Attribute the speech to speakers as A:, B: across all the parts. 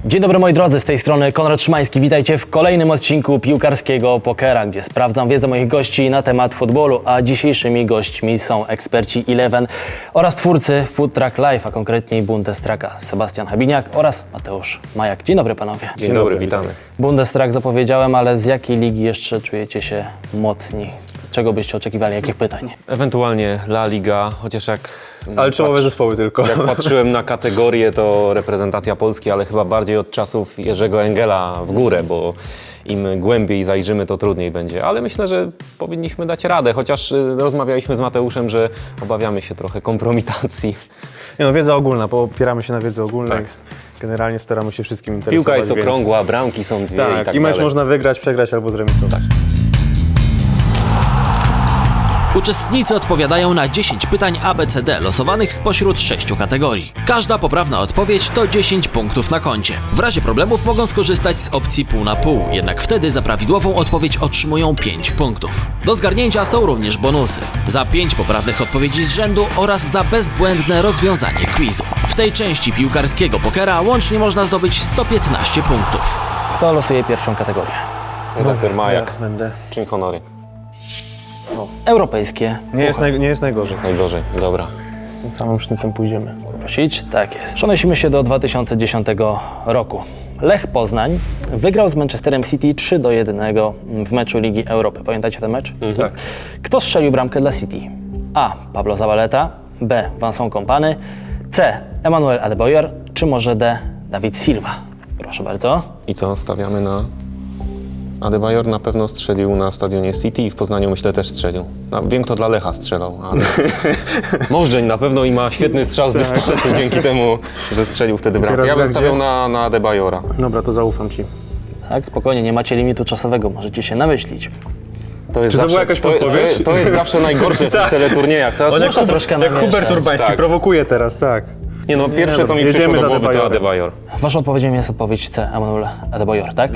A: Dzień dobry moi drodzy, z tej strony Konrad Szymański. Witajcie w kolejnym odcinku Piłkarskiego Pokera, gdzie sprawdzam wiedzę moich gości na temat futbolu, a dzisiejszymi gośćmi są eksperci Eleven oraz twórcy Food Truck Live, a konkretniej Bundestracka Sebastian Habiniak oraz Mateusz Majak. Dzień dobry panowie.
B: Dzień dobry, witamy.
A: Bundestrack zapowiedziałem, ale z jakiej ligi jeszcze czujecie się mocni? Czego byście oczekiwali? Jakich pytań?
B: Ewentualnie La Liga, chociaż
C: Ale czołowe zespoły tylko.
B: Jak patrzyłem na kategorię, to reprezentacja Polski, ale chyba bardziej od czasów Jerzego Engela w górę, bo im głębiej zajrzymy, to trudniej będzie. Ale myślę, że powinniśmy dać radę, chociaż rozmawialiśmy z Mateuszem, że obawiamy się trochę kompromitacji.
C: Nie no, wiedza ogólna, bo opieramy się na wiedzy ogólnej.
B: Tak.
C: Generalnie staramy się wszystkim interesować.
B: Piłka jest
C: więc...
B: okrągła, bramki są dwie
C: Tak,
B: i tak
C: i mecz
B: dalej.
C: można wygrać, przegrać albo zremisować.
D: Uczestnicy odpowiadają na 10 pytań ABCD losowanych spośród 6 kategorii. Każda poprawna odpowiedź to 10 punktów na koncie. W razie problemów mogą skorzystać z opcji pół na pół, jednak wtedy za prawidłową odpowiedź otrzymują 5 punktów. Do zgarnięcia są również bonusy. Za 5 poprawnych odpowiedzi z rzędu oraz za bezbłędne rozwiązanie quizu. W tej części piłkarskiego pokera łącznie można zdobyć 115 punktów.
A: Kto losuje pierwszą kategorię?
B: Redaktor Majak,
C: Będę.
B: czym honory?
A: Europejskie.
C: Nie jest najgorzej.
B: Najgorzej, dobra.
C: Tym samym sznytem pójdziemy.
A: Prosić? Tak jest. Przenosimy się do 2010 roku. Lech Poznań wygrał z Manchesterem City 3-1 w meczu Ligi Europy. Pamiętacie ten mecz?
C: Tak.
A: Kto strzelił bramkę dla City? A. Pablo Zabaleta, B. Vincent Kompany, C. Emmanuel Adebayor, czy może D. David Silva? Proszę bardzo.
B: I co, stawiamy na... Adebayor na pewno strzelił na stadionie City i w Poznaniu myślę też strzelił. No, wiem, kto dla Lecha strzelał, ale Możdżeń na pewno i ma świetny strzał z dystansu dzięki temu, że strzelił wtedy bramkę. Ja bym stawiał na Adebayora.
C: Dobra, to zaufam ci.
A: Tak, spokojnie, nie macie limitu czasowego, możecie się namyślić.
B: To jest
C: Czy to była jakaś podpowiedź?
B: to jest zawsze najgorsze w tych teleturniejach. Teraz
A: Muszę troszkę
C: Jak
A: namieszać.
C: Hubert Urbański
B: Tak.
C: prowokuje teraz, tak.
B: Nie no, pierwsze co mi
C: jedziemy
B: przyszło do
C: z
B: głowy to
C: Adebayorem.
B: Adebayor.
A: Waszą odpowiedzią jest odpowiedź C. Emmanuel Adebayor, tak?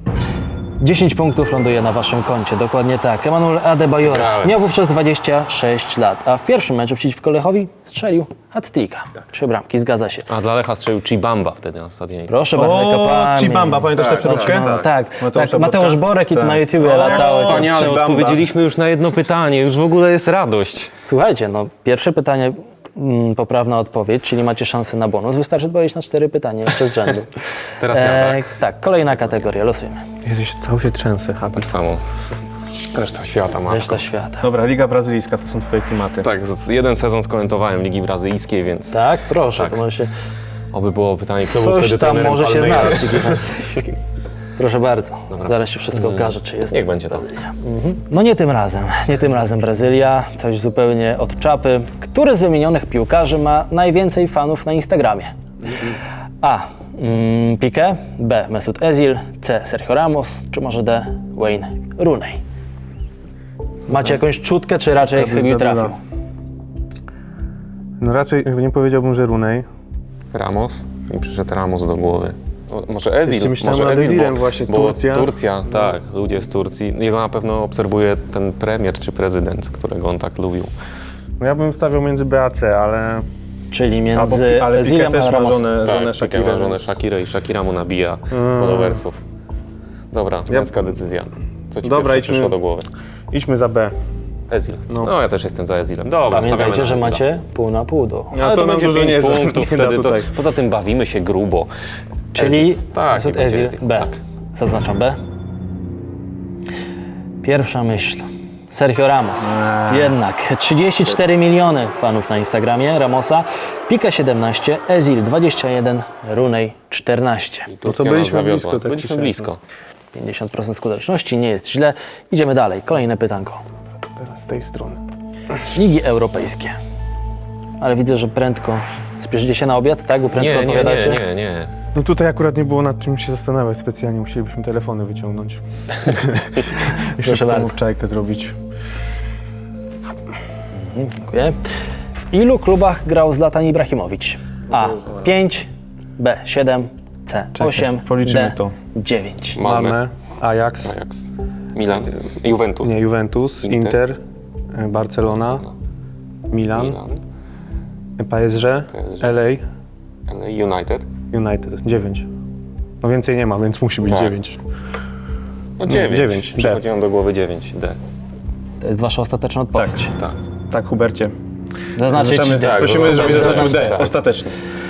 A: 10 punktów ląduje na waszym koncie, dokładnie tak. Emmanuel Adebayor
B: Grałem.
A: miał wówczas 26 lat, a w pierwszym meczu przeciwko Lechowi strzelił hat-tricka. 3 bramki, zgadza się.
B: A dla Lecha strzelił Chibamba wtedy na stadionie.
A: Proszę bardzo, jaka
C: Chibamba, pamiętasz tę przeróbkę?
A: Tak,
C: Mateusza
A: Mateusz
C: Borka?
A: Borek i to
C: Tak.
A: na YouTubie latało.
B: Wspaniale,
C: Chibamba.
B: odpowiedzieliśmy już na jedno pytanie, już w ogóle jest radość.
A: Słuchajcie, no pierwsze pytanie, poprawna odpowiedź, czyli macie szansę na bonus. Wystarczy odpowiedzieć na 4 pytania jeszcze z rzędu.
B: Teraz ja, tak?
A: Tak, kolejna kategoria, losujemy.
C: Jezus, cały się trzęsę.
B: Tak samo. Reszta świata ma.
A: Reszta świata.
C: Dobra, Liga Brazylijska to są twoje klimaty.
B: Tak, jeden sezon skomentowałem Ligi Brazylijskiej, więc
A: Tak, proszę,
B: Tak.
A: to może się...
B: oby było pytanie, kto był
A: Coś
B: wtedy
A: tam
B: trenerem
A: może się
B: Palmeiras.
A: znaleźć. Proszę bardzo, zaraz się wszystko okaże, czy jest
B: Niech będzie to.
A: Brazylia. No nie tym razem Brazylia, coś zupełnie od czapy. Który z wymienionych piłkarzy ma najwięcej fanów na Instagramie? A. Piqué, B. Mesut Özil, C. Sergio Ramos, czy może D. Wayne Rooney? Macie jakąś czutkę, czy raczej chybił trafił?
C: No raczej nie powiedziałbym, że Rooney.
B: Ramos i przyszedł Ramos do głowy. Może Özil,
C: Jeszcze myślałem
B: może
C: nad
B: Özil,
C: Özilem właśnie, Turcja.
B: Turcja, tak, ludzie z Turcji. Jego na pewno obserwuje ten premier czy prezydent, którego on tak lubił.
C: No ja bym stawiał między B a C, ale...
A: Czyli między
C: ale Piqué
A: Özilem
C: też
A: a
C: ma
A: Ramosem.
C: żonę
B: Tak, Piqué
C: Shakirę,
B: ma żonę
C: więc-
B: Shakirę i Shakira mu nabija followersów. Dobra, męska decyzja. Co ci
C: Dobra,
B: pierwsze
C: idźmy.
B: przyszło do głowy?
C: Idźmy za B.
B: Ezil. No ja też jestem za Ezilem. Dobra,
A: Pamiętajcie,
B: stawiamy
A: że
B: na Ezila.
A: macie pół na pół do...
C: No
B: Ale to
C: nam
B: będzie
C: dużo
B: 5
C: nie
B: punktów
C: nie da
B: wtedy. To,
C: tutaj.
B: poza tym bawimy się grubo.
A: Czyli
B: Tak,
A: Mesut
B: niech będzie
A: Özil, B.
B: Tak.
A: Zaznaczam B. Pierwsza myśl. Sergio Ramos. Jednak 34 miliony fanów na Instagramie Ramosa, Piqué 17, Özil 21, Rooney 14.
B: Turcja
C: byliśmy
B: nas zawiodła.
C: blisko, tak
B: Byliśmy
C: się
B: blisko.
A: 50% skuteczności, nie jest źle. Idziemy dalej. Kolejne pytanko.
C: Teraz z tej strony.
A: Ligi europejskie. Ale widzę, że prędko spieszycie się na obiad, tak? Bo prędko odpowiadacie.
B: Nie.
C: No tutaj akurat nie było nad czym się zastanawiać specjalnie, musielibyśmy telefony wyciągnąć.
A: Proszę bardzo.
C: Czajkę zrobić.
A: Dziękuję. W ilu klubach grał Zlatan Ibrahimowicz? A. 5, B. 7, C. 8,
C: policzymy
A: D.
C: to.
A: 9.
C: Malmö, Ajax,
B: Ajax. Milan. Juventus.
C: nie, Juventus, Inter, Barcelona, Milan, PSG,
B: PSG.
C: LA,
B: United.
C: United. 9. No więcej nie ma, więc musi być
B: Tak.
C: 9.
B: No 9.
C: 9, D.
B: Przychodzi nam do głowy 9, D.
A: To jest wasza ostateczna odpowiedź.
B: Tak.
C: Tak, Hubercie.
A: Zaznaczyć D.
B: tak,
C: Prosimy, żebyś zaznaczył D.
B: tak.
C: Ostatecznie.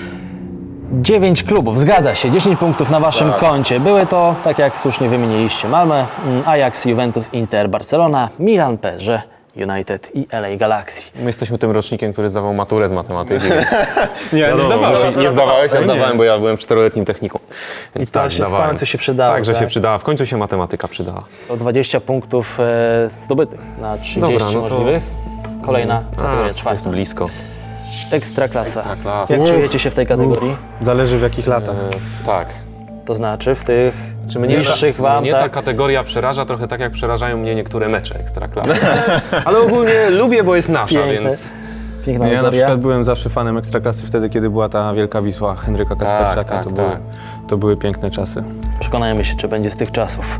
A: 9 klubów, zgadza się, 10 punktów na waszym
B: Tak.
A: koncie. Były to, tak jak słusznie wymieniliście, Malmö, Ajax, Juventus, Inter, Barcelona, Milan, PSG, United i LA Galaxy.
B: My jesteśmy tym rocznikiem, który zdawał maturę z matematyki.
C: Nie,
B: Wiadomo, nie zdawałeś? Ja zdawałem, bo ja byłem w 4-letnim technikum. Więc
A: I to
B: tak,
A: się w
B: zdawałem.
A: końcu się przydało,
B: Tak, że się
A: tak?
B: przydała. W końcu się matematyka przydała.
A: To 20 punktów zdobytych na 30
B: Dobra, no to-
A: możliwych. Kolejna kategoria
B: jest
A: czwarta.
B: blisko.
A: Ekstraklasa.
B: Ekstraklasa.
A: Jak czujecie się w tej kategorii?
C: Zależy w jakich latach.
B: Tak.
A: To znaczy w tych
B: Czy mnie
A: niższych wam,
B: mnie ta
A: tak?
B: kategoria przeraża trochę tak, jak przerażają mnie niektóre mecze Ekstraklasy. Ale ogólnie lubię, bo jest nasza,
A: Piękne.
B: więc...
A: Piękna
C: Ja na
A: kategoria.
C: przykład byłem zawsze fanem Ekstraklasy wtedy, kiedy była ta wielka Wisła Henryka Kasperczaka.
B: tak,
C: To były piękne czasy.
A: Przekonajmy się, czy będzie z tych czasów.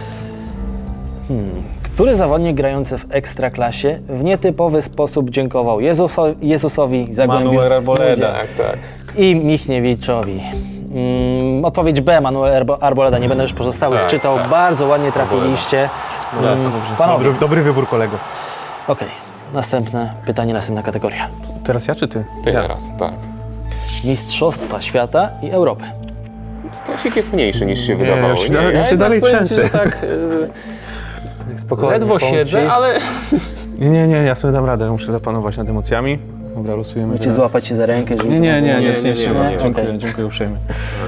A: Który zawodnik grający w Ekstraklasie w nietypowy sposób dziękował Jezusowi, Zagłębiu
C: Manuel Arboleda.
B: Tak, tak.
A: i Michniewiczowi? Odpowiedź B, Manuel Arboleda. Nie będę już pozostałych
B: Tak,
A: czytał.
B: tak.
A: Bardzo ładnie trafiliście. Panowie,
C: Dobry wybór, kolego.
A: okej. Następne pytanie, następna kategoria.
C: Teraz ja czy ty?
B: Ty teraz, tak.
A: Mistrzostwa świata i Europy.
B: Strafik jest mniejszy niż się wydawało.
C: ja się
B: jednak
C: dalej
B: powiem ci,
C: trzęsę.
B: że tak
A: Spokojnie.
B: ledwo
A: powiem
B: siedzę,
A: ci.
B: ale...
C: Nie, ja sobie dam radę. Muszę zapanować nad emocjami. Dobra, losujemy
A: Ci
C: teraz.
A: złapać się za rękę, żeby...
C: Nie,
A: Okej.
C: dziękuję uprzejmie.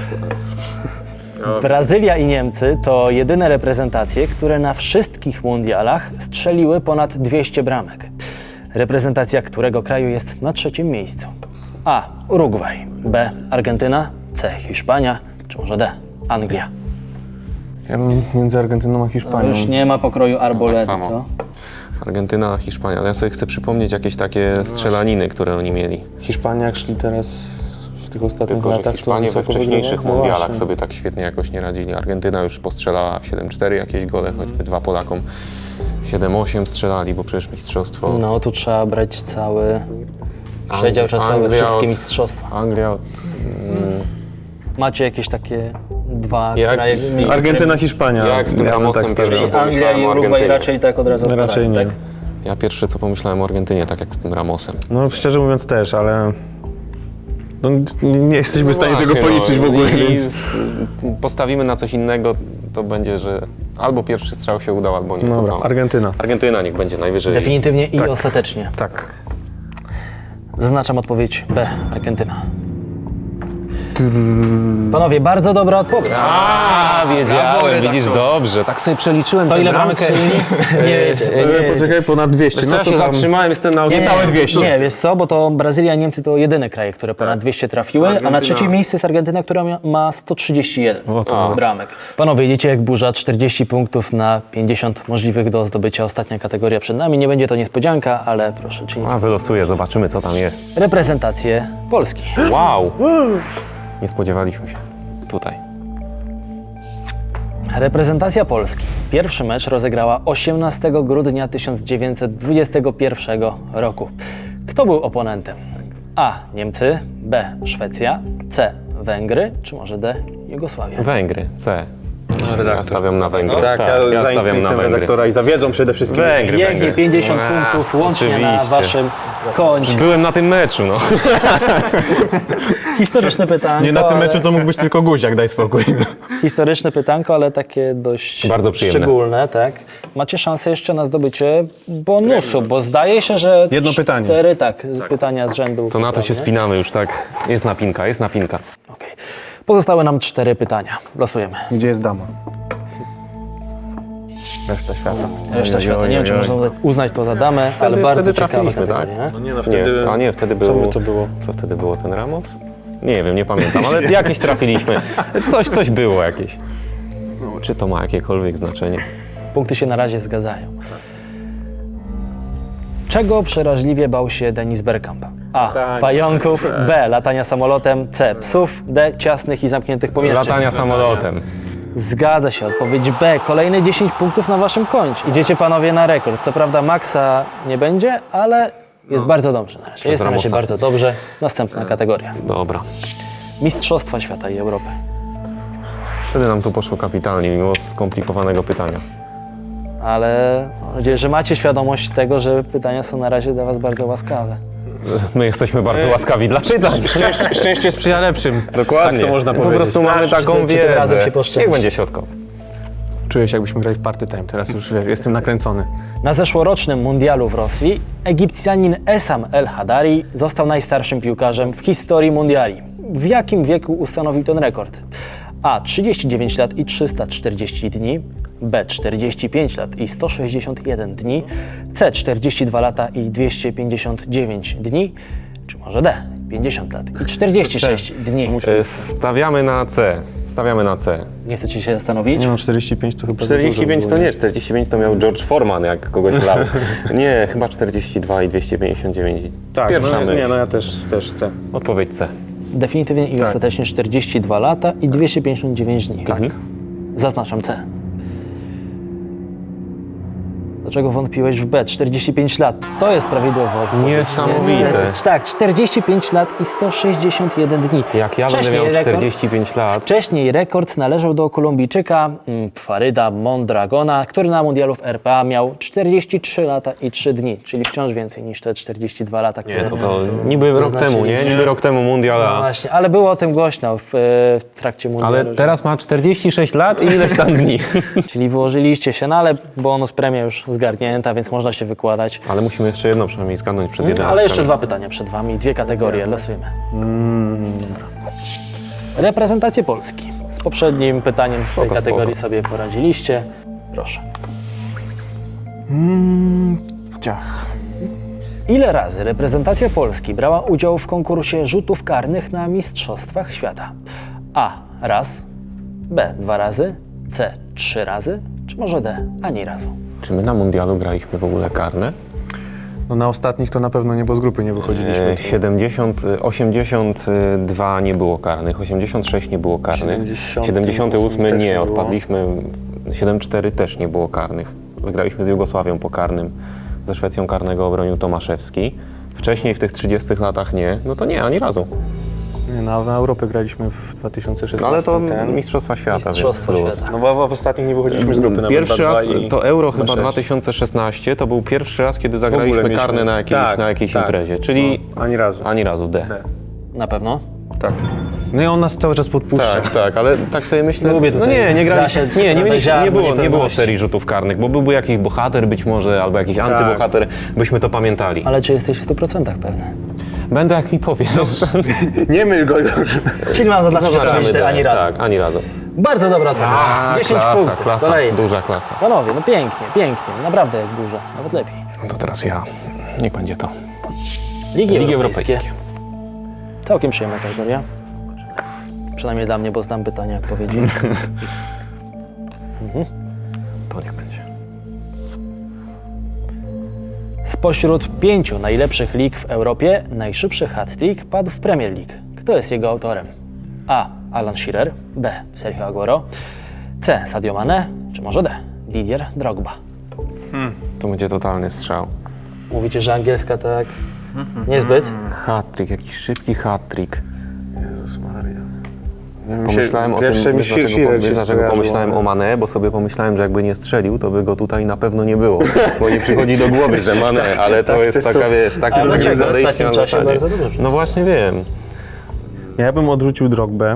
A: Brazylia i Niemcy to jedyne reprezentacje, które na wszystkich mundialach strzeliły ponad 200 bramek. Reprezentacja którego kraju jest na trzecim miejscu? A. Urugwaj, B. Argentyna, C. Hiszpania, czy może D. Anglia?
C: Ja bym między Argentyną a
A: To
C: Hiszpanią.
A: już nie ma pokroju Arboledy,
B: tak samo.
A: co?
B: Hiszpania, Hiszpania. Ja sobie chcę przypomnieć jakieś takie strzelaniny, które oni mieli.
C: Hiszpania, jak szli teraz w tych ostatnich
B: Tylko, że
C: latach,
B: Hiszpanie
C: to
B: we
C: wysoko
B: wcześniejszych
C: wygrywali. No
B: mundialach
C: właśnie.
B: sobie tak świetnie jakoś nie radzili. Argentyna już postrzelała w 7-4 jakieś gole, choćby 2 Polakom 7-8 strzelali, bo przecież mistrzostwo...
A: No, tu trzeba brać cały przedział czasowy,
B: Anglia
A: wszystkie
B: od-
A: mistrzostwa.
B: Anglia...
A: Macie jakieś takie dwa
B: Jak-
A: kraje?
C: Argentyna, Hiszpania.
B: Jak z tym
C: Ja bym
B: Ramosem
C: tak stawiał.
B: pierwszy.
A: Anglia i
B: pomyślałem o
A: Urugwaj
B: Argentynie.
A: raczej tak od razu odpadają,
C: Raczej nie.
A: tak?
B: Ja pierwsze co pomyślałem o Argentynie, tak jak z tym Ramosem.
C: No szczerze mówiąc też, ale no, nie jesteśmy w stanie tego
B: Właśnie,
C: policzyć w ogóle,
B: i
C: więc...
B: postawimy na coś innego, to będzie, że albo pierwszy strzał się udał, albo nie. To
C: Dobra,
B: co?
C: Argentyna.
B: Argentyna niech będzie najwyżej.
A: Definitywnie i
C: Tak.
A: ostatecznie.
C: Tak.
A: Zaznaczam odpowiedź B. Argentyna. Panowie, bardzo dobra odpowiedź.
B: Wiedziałem, widzisz, dobrze. Tak sobie przeliczyłem
A: To
B: tę
A: ile bramek
B: bramkę.
A: strzelili? Nie wiecie.
C: Poczekaj, ponad 200.
B: Wiesz co, ja się zatrzymałem, jestem na ogień.
C: Niecałe 200.
A: Nie, wiesz co, bo to Brazylia i Niemcy to jedyne kraje, które ponad 200 trafiły, a na
B: Argentyna.
A: trzecim miejscu jest Argentyna, która ma 131
C: O, to
A: bramek. Panowie, idziecie jak burza, 40 punktów na 50 możliwych do zdobycia. Ostatnia kategoria przed nami. Nie będzie to niespodzianka, ale proszę czynić.
B: A, wylosuję, zobaczymy co tam jest.
A: Reprezentację Polski.
B: Wow! Nie spodziewaliśmy się. Tutaj.
A: Reprezentacja Polski. Pierwszy mecz rozegrała 18 grudnia 1921 roku. Kto był oponentem? A. Niemcy, B. Szwecja, C. Węgry, czy może D. Jugosławia?
B: Węgry, C. Ja stawiam na Węgry.
C: Tak,
B: ja stawiam na Węgry.
C: redaktora i za wiedzą przede wszystkim.
B: Węgry,
A: Pięknie,
B: Węgry.
A: 50 punktów łącznie na
B: oczywiście.
A: waszym koncie.
B: Byłem na tym meczu, no.
A: Historyczne pytanko.
C: Nie na tym
A: ale-
C: meczu to mógł być tylko Guziak, daj spokój.
A: Historyczne pytanko, ale takie dość
B: Bardzo przyjemne.
A: szczególne, tak. Macie szansę jeszcze na zdobycie bonusu, bo zdaje się, że
C: Jedno pytanie.
A: 4 pytania z rzędu.
B: To na to się
A: poprawnie.
B: spinamy już tak. Jest napinka, jest napinka.
A: Okej. Pozostały nam 4 pytania. Losujemy.
C: Gdzie jest dama? Reszta świata.
A: Reszta świata. Nie wiem, czy można uznać to za damę, ale bardzo
B: wtedy
A: ciekawa
B: trafiliśmy, tak?
A: kategoria.
C: No nie, no
B: Nie, wtedy było...
C: by to było?
B: Co wtedy było, ten Ramos? Nie wiem, nie pamiętam, ale jakieś trafiliśmy. Coś było jakieś. Czy to ma jakiekolwiek znaczenie?
A: Punkty się na razie zgadzają. Czego przeraźliwie bał się Denis Bergkamp? A. Pająków. B. Latania samolotem. C. Psów. D. Ciasnych i zamkniętych pomieszczeń.
B: Latania samolotem.
A: Zgadza się. Odpowiedź B. Kolejne 10 punktów na waszym koncie. Idziecie panowie na rekord. Co prawda maksa nie będzie, ale jest bardzo dobrze na razie. Jest na razie
B: Ramosa.
A: bardzo dobrze. Następna kategoria.
B: Dobra.
A: Mistrzostwa Świata i Europy.
B: Wtedy nam tu poszło kapitalnie, mimo skomplikowanego pytania.
A: Ale mam nadzieję, że macie świadomość tego, że pytania są na razie dla was bardzo łaskawe.
B: My jesteśmy bardzo łaskawi dla pytań.
C: Szczęście sprzyja lepszym.
B: Dokładnie.
C: Tak to można
B: Po
C: powiedzieć.
B: prostu mamy
A: Czy
B: taką
A: tym
B: wiedzę.
A: razem się poszczęści?
B: Niech będzie środkowy.
C: Czuję się, jakbyśmy grali w party time. Teraz już wiesz, jestem nakręcony.
A: Na zeszłorocznym mundialu w Rosji Egipcjanin Essam El Hadari został najstarszym piłkarzem w historii mundiali. W jakim wieku ustanowił ten rekord? A. 39 lat i 340 dni, B. 45 lat i 161 dni, C. 42 lata i 259 dni, czy może D. 50 lat i 46 dni.
B: Stawiamy na C. Stawiamy na C.
A: Nie chcecie się zastanowić?
C: Nie no, 45 to chyba
B: 45
C: za
B: to
C: dużo
B: nie, 45 to miał George Foreman, jak kogoś lał. Nie, chyba 42 i 259.
C: Tak,
B: Pierwsza
C: no,
B: myśl.
C: nie, no ja też chcę.
B: Odpowiedź C.
A: Definitywnie i ostatecznie 42 lata i 259 dni.
C: Tak.
A: Zaznaczam C. Dlaczego wątpiłeś w B? 45 lat. To jest prawidłowa odpowiedź.
B: Niesamowite.
A: Niestety. Tak, 45 lat i 161 dni.
B: Jak ja będę miał 45 lat,
A: Wcześniej rekord należał do Kolumbijczyka Faryda Mondragona, który na mundialu w RPA miał 43 lata i 3 dni, czyli wciąż więcej niż te 42 lata, które
B: nie, to niby rok temu, nie? Niby rok temu
A: No
B: mundiala.
A: właśnie, ale było o tym głośno w trakcie mundialu.
B: Ale teraz ma 46 lat i ileś tam dni.
A: Czyli wyłożyliście się, no ale bonus premia już zgarnięta, więc można się wykładać.
B: Ale musimy jeszcze jedno przynajmniej zgadnąć przed 11.
A: Ale jeszcze 2 pytania przed wami, 2 kategorie, losujemy. Reprezentacje Polski. Z poprzednim pytaniem z tej
B: Spoko,
A: kategorii
B: spoko.
A: sobie poradziliście. Proszę.
C: Ciach.
A: Ile razy reprezentacja Polski brała udział w konkursie rzutów karnych na Mistrzostwach Świata? A. Raz. B. 2 razy. C. 3 razy. Czy może D. Ani razu?
B: Czy my na mundialu graliśmy w ogóle karne?
C: No na ostatnich to na pewno nie, bo z grupy nie wychodziliśmy.
B: 82 nie było karnych, 86 nie było karnych, 78
C: też
B: nie,
C: nie było.
B: odpadliśmy, 74 też nie było karnych. Wygraliśmy z Jugosławią po karnym, ze Szwecją karnego obronił Tomaszewski. Wcześniej w tych 30 latach nie, no to nie, ani razu.
C: Nie, na Europę graliśmy w 2016.
B: No ale to
C: ten.
B: Mistrzostwa Świata,
A: Mistrzostwa
B: więc luz.
A: Świata.
C: No bo w ostatnich nie wychodziliśmy z grupy. nawet
B: Pierwszy raz,
C: 2-2 i
B: to Euro chyba
C: 2-6.
B: 2016, to był pierwszy raz, kiedy
C: W ogóle
B: zagraliśmy
C: mieliśmy-
B: karne na jakiejś
C: tak.
B: imprezie, czyli
C: No, ani razu.
B: ani razu D.
A: Na pewno?
C: Tak. No i on nas cały czas podpuszcza.
B: Tak, tak, ale tak sobie myślę.
A: Lubię
B: no
A: tutaj
B: nie graliśmy.
A: zasięg,
B: Nie
A: ziarno
B: było
A: niepewności.
B: serii rzutów karnych, bo byłby jakiś bohater być może, albo jakiś antybohater, byśmy to pamiętali.
A: Ale czy jesteś w 100% pewny?
B: Będę jak mi powiesz.
C: Nie myl go już.
A: Czyli mam zaznaczyć oczywiście
B: D.
A: ani razu.
B: Tak, ani razu.
A: Bardzo dobra odpowiedź. 10
B: klasa,
A: punktów.
B: klasa,
A: Kolejny.
B: duża klasa.
A: Panowie, no pięknie, pięknie. Naprawdę jak dużo. Nawet lepiej.
B: No to teraz ja. Niech będzie to.
A: Ligi
B: Europejskie.
A: Całkiem przyjemna kategoria. Przynajmniej dla mnie, bo znam pytania, odpowiedzi.
B: To niech będzie.
A: Spośród 5 najlepszych lig w Europie najszybszy hat-trick padł w Premier League. Kto jest jego autorem? A. Alan Shearer. B. Sergio Aguero. C. Sadio Mane. Czy może D. Didier Drogba.
B: To będzie totalny strzał.
A: Mówicie, że angielska tak niezbyt?
B: Hat-trick, jakiś szybki hat-trick.
C: Jezus Maria.
B: Pomyślałem o tym,
C: Pierwsze mi
B: wiesz,
C: Shearer
B: dlaczego,
C: się
B: wiesz, dlaczego
C: skojarzyło.
B: pomyślałem o Mane, bo sobie pomyślałem, że jakby nie strzelił, to by go tutaj na pewno nie było. Bo nie przychodzi do głowy, że Mane, ale to
C: tak,
B: jest
C: coś
B: taka,
C: to-
B: wiesz, taki
A: Ale
B: rodzaj
A: dlaczego? W
B: podejścia
A: ostatnim
B: na
A: czasie
B: zasadzie.
A: bardzo dobrze.
B: No właśnie wiem.
C: Ja bym odrzucił Drogbę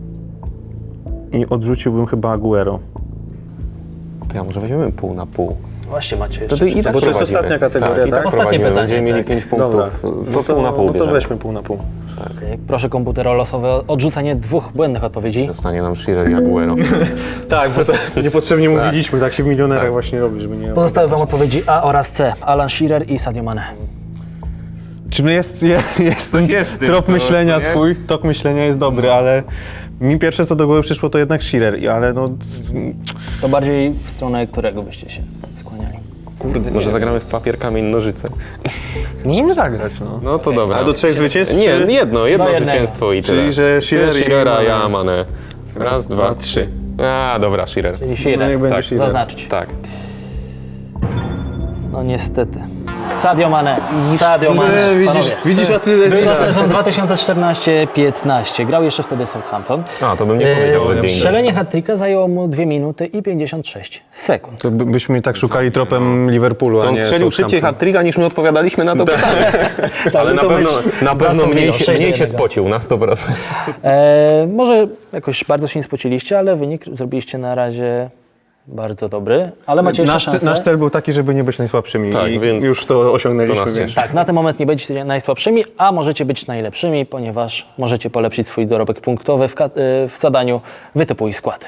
C: i odrzuciłbym chyba Aguero.
B: To ja może weźmiemy pół na pół.
A: Właśnie macie
B: To
A: jeszcze.
B: i tak
C: Bo to jest
B: prowadzimy.
C: ostatnia kategoria,
B: tak? I tak
C: tak?
A: Ostatnie
B: prowadzimy.
A: pytanie,
B: Będziemy mieli
A: tak.
B: 5 punktów.
C: Dobra.
B: To pół na pół
C: No to
B: bierzemy.
C: weźmy pół na pół.
A: Okej. Proszę komputer o losowe odrzucenie 2 błędnych odpowiedzi.
B: Zostanie nam Shearer i Aguero.
C: Tak, bo to niepotrzebnie mówiliśmy, tak się w milionerach właśnie robi, żeby nie...
A: Pozostały wam odpowiedzi A oraz C. Alan Shearer i Sadio Mane.
C: Czy jest ten
B: jest w tym,
C: trop
B: co-
C: myślenia
B: nie?
C: twój, tok myślenia jest dobry, ale mi pierwsze co do głowy przyszło to jednak Shearer, ale no...
A: To bardziej w stronę którego byście się skłaniali?
B: Kurde, może zagramy w papier, kamień, nożyce.
C: Możemy zagrać, no.
B: No to dobra.
C: A do 3 zwycięstw?
B: Nie,
C: czy...
B: jedno
A: Do jednego.
B: zwycięstwo i tyle.
C: Czyli, że Shearer
B: Ty
C: i
B: Shearera,
C: Mane.
B: ja Mane. Raz, dwa,
C: dwa,
B: trzy. A, dobra, Shearer.
A: Czyli
C: No
A: Shearer.
C: niech będzie
B: Tak,
C: Shearer.
A: Zaznaczyć.
B: Tak.
A: No niestety. Sadio Mane. Sadio Mane. Panowie.
C: Widzisz, a ty...
A: Był to sezon 2014-15. Grał jeszcze wtedy Southampton.
B: A, to bym nie powiedział, że dzień
A: Strzelenie hat-tricka zajęło mu 2 minuty i 56 sekund.
C: To byśmy tak szukali tropem Liverpoolu,
B: To
C: a
B: on
C: nie
B: strzelił szybciej
C: Southampton.
B: hat-tricka, niż my odpowiadaliśmy na to pytanie. Ale
A: był to mecz
B: na pewno
A: zastąpił
B: mniej
A: 6
B: się,
A: do
B: mniej się
A: 1.
B: spocił, na 100%.
A: Może jakoś bardzo się nie spociliście, ale wynik zrobiliście na razie bardzo dobry, ale macie jeszcze szansę.
C: Nasz cel był taki, żeby nie być najsłabszymi
B: Tak,
C: i
B: więc
C: już to osiągnęliśmy.
B: to nas
C: więc...
B: cieszy.
A: Tak, na ten moment nie będziecie najsłabszymi, a możecie być najlepszymi, ponieważ możecie polepszyć swój dorobek punktowy w zadaniu Wytypuj skład.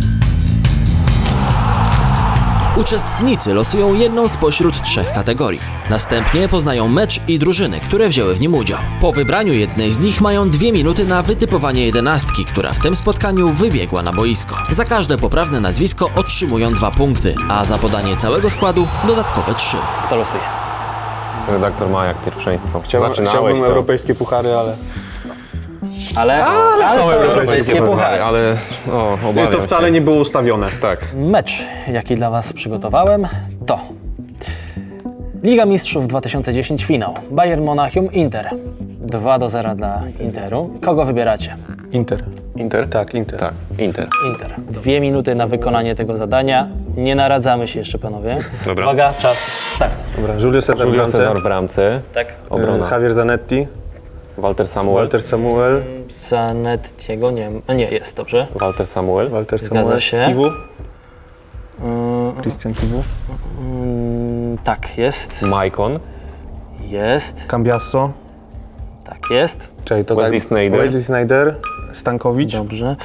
D: Uczestnicy losują jedną spośród 3 kategorii. Następnie poznają mecz i drużyny, które wzięły w nim udział. Po wybraniu jednej z nich mają 2 minuty na wytypowanie 11, która w tym spotkaniu wybiegła na boisko. Za każde poprawne nazwisko otrzymują 2 punkty, a za podanie całego składu dodatkowe 3.
A: To losuje.
B: Redaktor ma jak pierwszeństwo. Zaczynałeś
C: Chciałbym
B: to.
C: europejskie puchary, ale...
A: Ale są europejskie puchary.
B: Ale obawiam
C: To wcale
B: się.
C: nie było ustawione.
B: Tak.
A: Mecz, jaki dla Was przygotowałem, to Liga Mistrzów 2010 finał. Bayern Monachium Inter. 2-0 dla Interu. Kogo wybieracie?
C: Inter.
B: Inter?
C: Tak, Inter.
B: Tak, Inter.
A: Inter. 2 minuty na wykonanie tego zadania. Nie naradzamy się jeszcze, panowie.
B: Dobra.
A: Uwaga, czas, start.
C: Dobra, Julio Cesar,
B: Julio
C: bramce,
B: Cesar w bramce.
A: Tak.
B: Obrona.
C: Javier Zanetti,
B: Walter Samuel.
C: Walter Samuel,
A: Zanettiego nie jest, dobrze.
B: Walter Samuel.
C: Walter
A: Zgadza
C: Samuel,
A: się.
C: Kiwu, Christian Kiwu,
A: Tak, jest.
B: Maicon.
A: Jest.
C: Cambiasso,
A: Tak, jest.
C: czyli to
B: Wesley Sneijder.
C: Wesley Sneijder, Stankowicz,
A: Dobrze.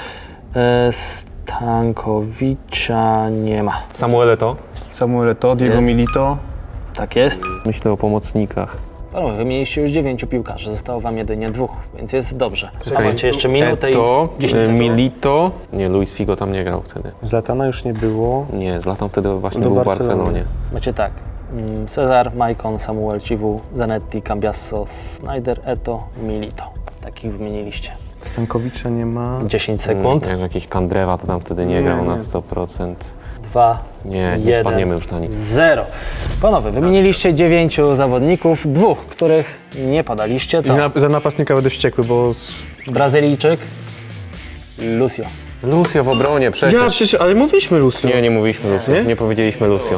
A: Stankowicza nie ma.
B: Samuel Eto'o.
C: Samuel Eto'o, Diego
A: Jest.
C: Milito,
A: Tak jest.
B: Myślę o pomocnikach.
A: Panowie, wymieniliście już 9 piłkarzy, zostało wam jedynie 2, więc jest dobrze. A macie jeszcze minutę
B: Eto'o,
A: i 10 sekund.
B: Milito. Nie, Luis Figo tam nie grał wtedy.
C: Zlatana już nie było.
B: Nie, Zlatan wtedy właśnie
C: Do
B: był w
C: Barcelony.
B: Barcelonie.
A: Macie tak. Cezar, Maicon, Samuel, Ciwu, Zanetti, Cambiasso, Sneijder, Eto'o, Milito. Takich wymieniliście.
C: Stankowicza nie ma.
A: 10 sekund.
B: Jak jakiś Kandrewa to tam wtedy nie grał na
C: nie.
B: 100%.
A: 2,
B: Nie
A: 1,
B: wpadniemy już na nic.
A: 0. Panowie, wymieniliście 9 zawodników, 2, których nie podaliście. To
C: Za napastnika będę wściekły, bo...
A: Brazylijczyk, Lucio.
B: Lucio w obronie przecież.
C: ale mówiliśmy Lucio.
B: Nie mówiliśmy Lucio.
C: Nie?
B: Nie powiedzieliśmy Lucio.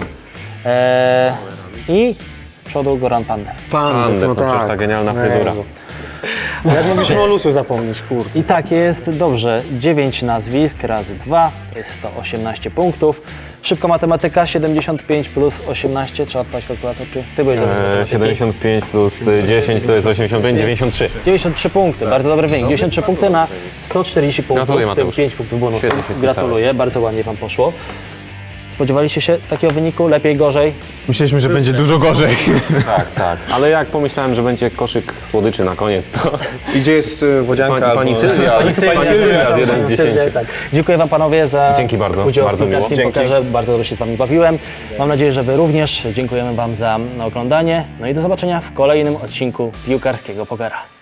A: I z przodu Goran Pandev.
B: Pandev, no przecież ta genialna fryzura.
C: Jak mogliśmy o Lucio zapomnieć, kurde.
A: I tak jest, dobrze. 9 nazwisk razy 2, to jest to 18 punktów. Szybko matematyka, 75 plus 18, trzeba odpalić kalkulator, czy ty byłeś zamiast matematyki?
B: 75 plus 10 to jest 85, 93.
A: 93 punkty, bardzo dobry wynik. 93 punkty na 140 punktów,
B: Gratuluję,
A: w tym
B: Mateusz.
A: 5 punktów bonusu.
B: Świetnie się spisałeś.
A: Gratuluję, bardzo ładnie wam poszło. Spodziewaliście się takiego wyniku? Lepiej, gorzej?
C: Myśleliśmy, że będzie dużo gorzej.
B: Tak. Ale jak pomyślałem, że będzie koszyk słodyczy na koniec, to
C: I gdzie jest Wodzianka?
B: pani
C: albo-
B: Sylwia.
A: Pani Sylwia
B: z 1 z 10.
A: Tak. Dziękuję wam panowie za
B: Dzięki bardzo,
A: udział
B: bardzo
A: w
B: miło.
A: piłkarskim
C: Dzięki.
A: pokerze. Bardzo dobrze się z wami bawiłem. Mam nadzieję, że wy również. Dziękujemy wam za oglądanie. No i do zobaczenia w kolejnym odcinku piłkarskiego pokera.